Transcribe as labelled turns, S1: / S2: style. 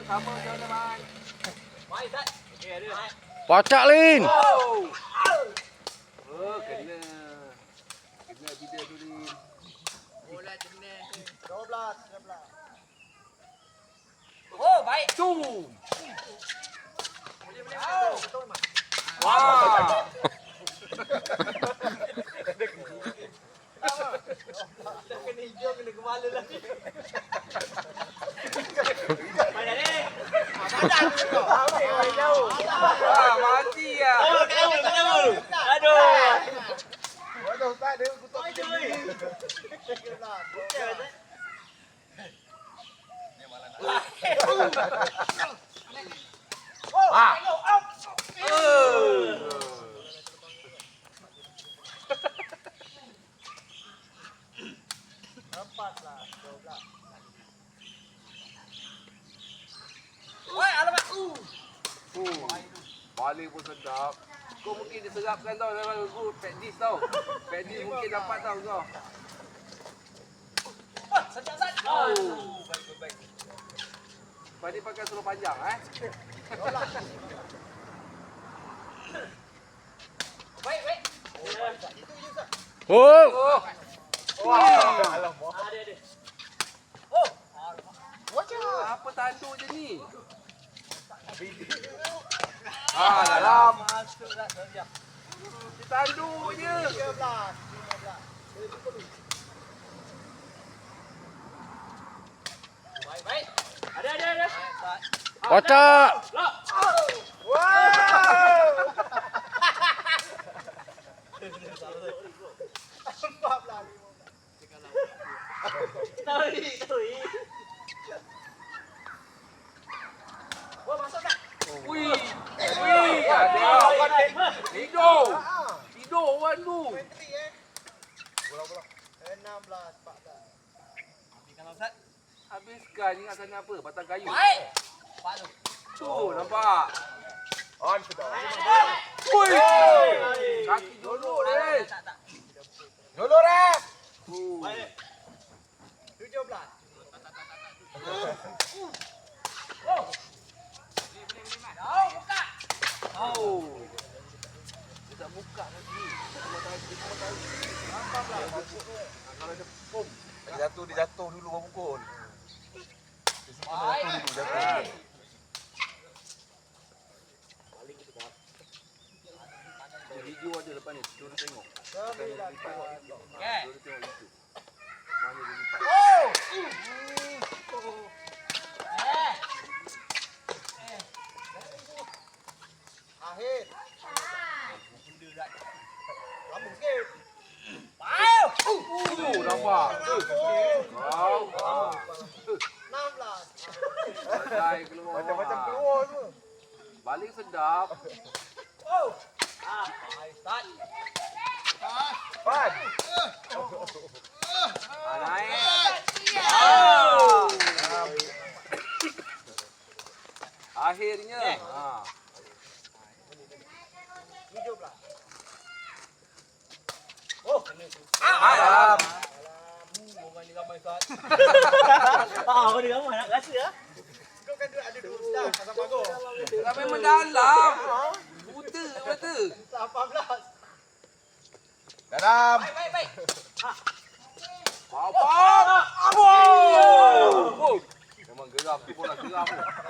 S1: Sama teman-teman.
S2: Pacak Lin.
S1: Oh, kena. Kena bida tu Lin.
S3: Bola kena.
S4: 12.
S3: Oh, baik.
S1: Tu.
S3: Boleh.
S1: Wah.
S3: Dah kena hijau, kena kepala lagi. Mana ni?
S1: Wah, mati ya.
S3: Kau. Aduh.
S4: Waduh, tak ada kutuk
S3: Aduh. Oi, alamak.
S1: Balik pun sedap. Kau mungkin diserapkan tau dalam aku Padis tau. Padis mungkin dapat tau kau.
S3: Sat.
S1: Oh.
S3: Baik.
S1: Padis pakai seluar panjang
S3: Baik.
S2: Oh.
S1: Oh.
S4: Wah,
S3: Ada.
S1: Apa tanduk je ni? Dalam.
S3: Masuk dah.
S1: Tanduk je.
S3: 13. Baik. Ada.
S2: Pacak.
S3: Lock.
S4: wow. 14.
S3: Tui. Oh, masuk tak?
S1: Wih, ada. Tidur orang tu.
S4: 16, 14.
S3: Kalau Ustaz.
S1: Habiskan ingat sana apa? Batang kayu.
S3: Baik. Palu.
S1: Tu nampak.
S4: On sudah.
S1: Wih. Kaki jolok ni.
S3: Tak.
S4: Dulu rep.
S3: Baik.
S4: 17.
S3: Oh. Boleh, buka.
S1: Oh. Dia tak buka lagi. Kalau ada pom.
S4: Dia jatuh dulu baru pukul.
S3: Baik.
S1: Video ada lepas ni. Jom tengok.
S3: Okey.
S1: Jom tengok YouTube. Mana dia lipat.
S3: Oh.
S4: Akhir. Lambung sikit.
S3: Baik.
S1: Nampak. Wow.
S4: 16.
S1: Badai keluar.
S4: Macam-macam keluar tu.
S1: Balik sedap.
S3: Oh. Baik, start.
S4: Pan.
S1: Naik.
S3: Oh.
S1: Akhirnya.
S4: 17.
S3: Oh, kena tu.
S1: Dalam.
S3: Orang ni ramai Ustaz. Orang ni ramai nak rasa ah.
S4: Kau kan ada 2 dah pasal bagus.
S1: Ramai mendalam. Buta mata.
S4: 18. Dalam.
S3: Baik.
S1: Wow. Memang geram tu bola geram tu.